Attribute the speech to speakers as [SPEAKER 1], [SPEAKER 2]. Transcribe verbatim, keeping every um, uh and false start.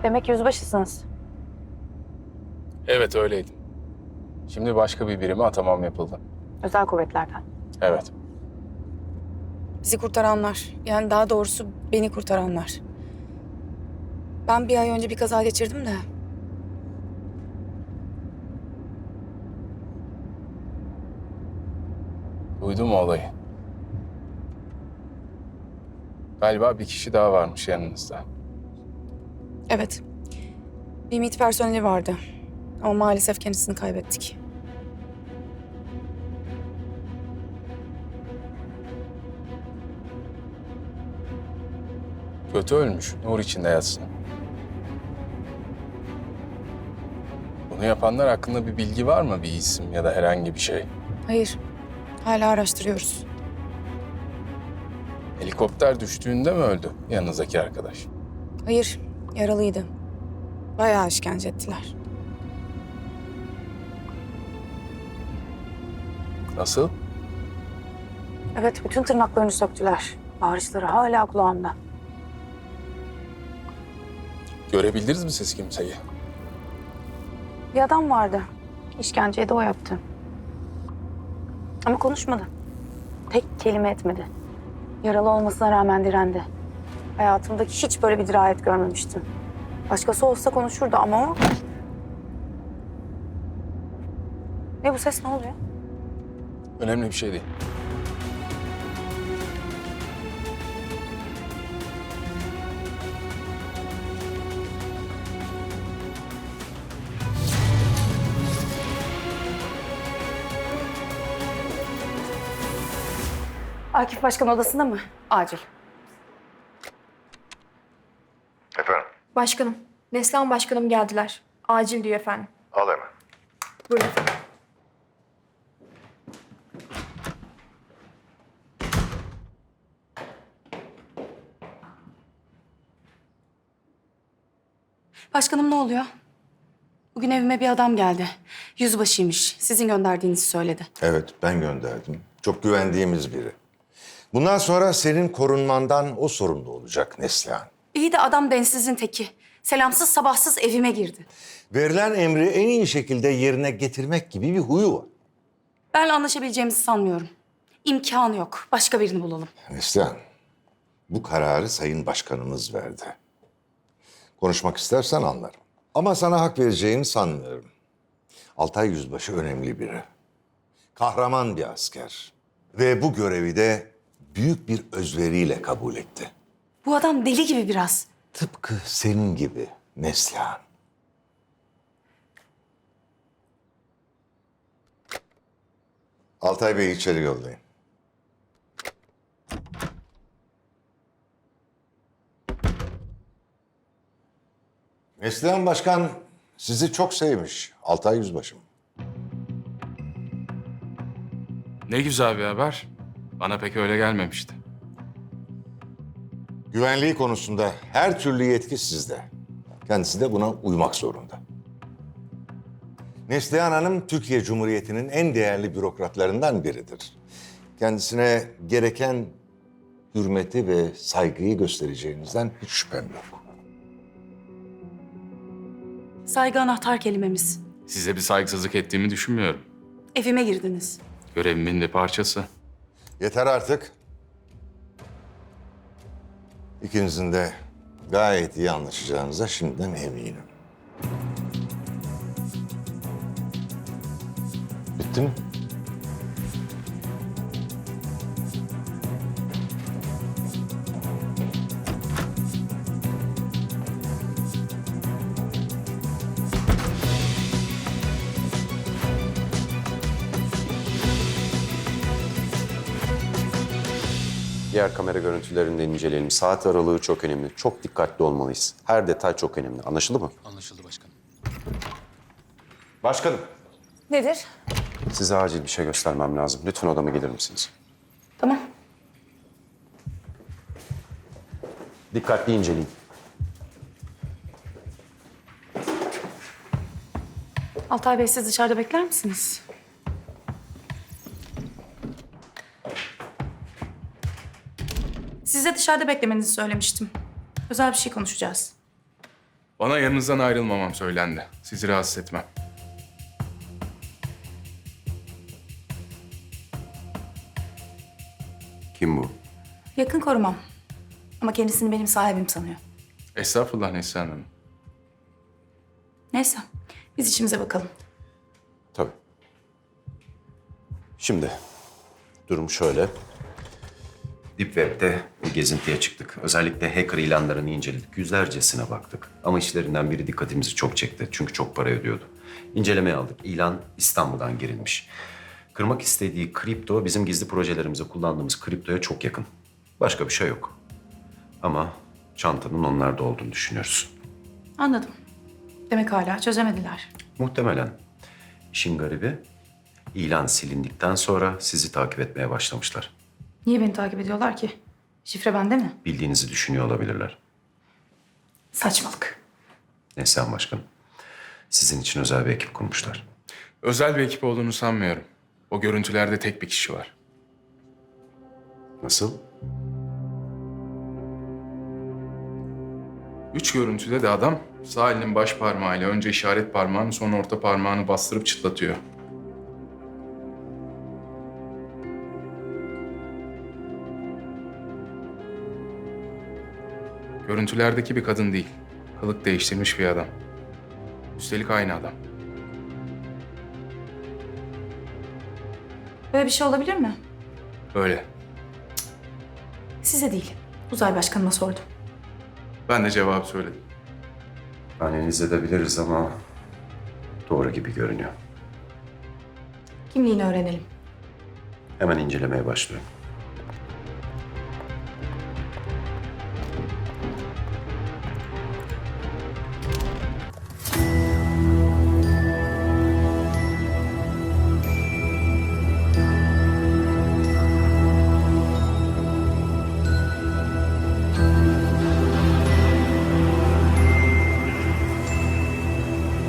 [SPEAKER 1] Demek yüzbaşısınız.
[SPEAKER 2] Evet öyleydim. Şimdi başka bir birime atamam yapıldı.
[SPEAKER 1] Özel kuvvetlerden.
[SPEAKER 2] Evet.
[SPEAKER 3] Bizi kurtaranlar. Yani daha doğrusu beni kurtaranlar. Ben bir ay önce bir kaza geçirdim de.
[SPEAKER 2] Duydum o olayı. Galiba bir kişi daha varmış yanınızda.
[SPEAKER 3] Evet. Bir MİT personeli vardı. Ama maalesef kendisini kaybettik.
[SPEAKER 2] Kötü ölmüş. Nur içinde yatsın. Bunu yapanlar hakkında bir bilgi var mı? Bir isim ya da herhangi bir şey.
[SPEAKER 3] Hayır. Hala araştırıyoruz.
[SPEAKER 2] Helikopter düştüğünde mi öldü yanınızdaki arkadaş?
[SPEAKER 3] Hayır. Yaralıydı. Bayağı işkence ettiler.
[SPEAKER 2] Nasıl?
[SPEAKER 1] Evet, bütün tırnaklarını söktüler. Bağırışları hala kulağımda.
[SPEAKER 2] Görebildiniz mi siz kimseyi?
[SPEAKER 1] Bir adam vardı. İşkenceyi de o yaptı. Ama konuşmadı. Tek kelime etmedi. Yaralı olmasına rağmen direndi. Hayatımdaki hiç böyle bir dirayet görmemiştim. Başkası olsa konuşurdu ama o... Ne bu ses, ne oluyor?
[SPEAKER 2] Önemli bir şey değil.
[SPEAKER 1] Akif Başkan odasında mı? Acil.
[SPEAKER 4] Efendim,
[SPEAKER 5] Başkanım, Neslihan başkanım geldiler. Acil diyor efendim.
[SPEAKER 4] al hemen.
[SPEAKER 5] Buyurun efendim.
[SPEAKER 3] Başkanım ne oluyor? Bugün evime bir adam geldi. Yüzbaşıymış. Sizin gönderdiğinizi söyledi.
[SPEAKER 4] Evet, ben gönderdim. Çok güvendiğimiz biri. Bundan sonra senin korunmandan o sorumlu olacak Neslihan.
[SPEAKER 3] İyi de adam densizin teki. Selamsız sabahsız evime girdi.
[SPEAKER 4] Verilen emri en iyi şekilde yerine getirmek gibi bir huyu var.
[SPEAKER 3] Benle anlaşabileceğimizi sanmıyorum. İmkanı yok. Başka birini bulalım.
[SPEAKER 4] Neslihan, bu kararı Sayın Başkanımız verdi. Konuşmak istersen anlarım. Ama sana hak vereceğini sanmıyorum. Altay Yüzbaşı önemli biri. Kahraman bir asker. Ve bu görevi de büyük bir özveriyle kabul etti.
[SPEAKER 3] Bu adam deli gibi biraz.
[SPEAKER 4] Tıpkı senin gibi Neslihan. Altay Bey'i içeri yollayın. Neslihan Başkan sizi çok sevmiş Altay Yüzbaşım.
[SPEAKER 2] Ne güzel bir haber. Bana pek öyle gelmemişti.
[SPEAKER 4] Güvenliği konusunda her türlü yetki sizde. Kendisi de buna uymak zorunda. Neslihan Hanım Türkiye Cumhuriyeti'nin en değerli bürokratlarından biridir. Kendisine gereken hürmeti ve saygıyı göstereceğinizden hiç şüphem yok.
[SPEAKER 3] Saygı anahtar kelimemiz.
[SPEAKER 2] Size bir saygısızlık ettiğimi düşünmüyorum.
[SPEAKER 3] Evime girdiniz.
[SPEAKER 2] Görevimin bir parçası.
[SPEAKER 4] Yeter artık. İkinizin de gayet iyi anlaşacağınıza şimdiden eminim. Bitti mi?
[SPEAKER 6] Diğer kamera görüntülerini de inceleyelim. Saat aralığı çok önemli. Çok dikkatli olmalıyız. Her detay çok önemli. Anlaşıldı mı?
[SPEAKER 2] Anlaşıldı başkanım.
[SPEAKER 6] Başkanım.
[SPEAKER 3] Nedir?
[SPEAKER 6] Size acil bir şey göstermem lazım. Lütfen odama gelir misiniz?
[SPEAKER 3] Tamam.
[SPEAKER 6] Dikkatli inceleyin.
[SPEAKER 3] Altay Bey siz dışarıda bekler misiniz? Size dışarıda beklemenizi söylemiştim. Özel bir şey konuşacağız.
[SPEAKER 2] Bana yanınızdan ayrılmamam söylendi. Sizi rahatsız etmem.
[SPEAKER 6] Kim bu?
[SPEAKER 3] Yakın korumam. Ama kendisini benim sahibim sanıyor.
[SPEAKER 2] Estağfurullah Neslihan Hanım.
[SPEAKER 3] Neyse, biz işimize bakalım.
[SPEAKER 6] Tabii. Şimdi durum şöyle. Deep Web'de bir gezintiye çıktık. Özellikle hacker ilanlarını inceledik. Yüzlercesine baktık. Ama işlerinden biri dikkatimizi çok çekti. Çünkü çok para ödüyordu. İncelemeye aldık. İlan İstanbul'dan girilmiş. Kırmak istediği kripto bizim gizli projelerimizde kullandığımız kriptoya çok yakın. Başka bir şey yok. Ama çantanın onlarda olduğunu düşünüyoruz.
[SPEAKER 3] Anladım. Demek hala çözemediler.
[SPEAKER 6] Muhtemelen. İşin garibi, ilan silindikten sonra sizi takip etmeye başlamışlar.
[SPEAKER 3] Niye beni takip ediyorlar ki? Şifre bende mi?
[SPEAKER 6] Bildiğinizi düşünüyor olabilirler.
[SPEAKER 3] Saçmalık.
[SPEAKER 6] Neslihan Başkanım, sizin için özel bir ekip kurmuşlar.
[SPEAKER 2] Özel bir ekip olduğunu sanmıyorum. O görüntülerde tek bir kişi var.
[SPEAKER 6] Nasıl?
[SPEAKER 2] Üç görüntüde de adam sağ elinin baş parmağıyla önce işaret parmağını sonra orta parmağını bastırıp çıtlatıyor. Görüntülerdeki bir kadın değil. Kılık değiştirmiş bir adam. Üstelik aynı adam.
[SPEAKER 3] Böyle bir şey olabilir mi?
[SPEAKER 2] Öyle.
[SPEAKER 3] Size değil. Uzay Başkanı'na sordum.
[SPEAKER 2] Ben de cevabı söyledim.
[SPEAKER 6] Analiz edebiliriz ama doğru gibi görünüyor.
[SPEAKER 3] Kimliğini öğrenelim.
[SPEAKER 6] Hemen incelemeye başlıyorum.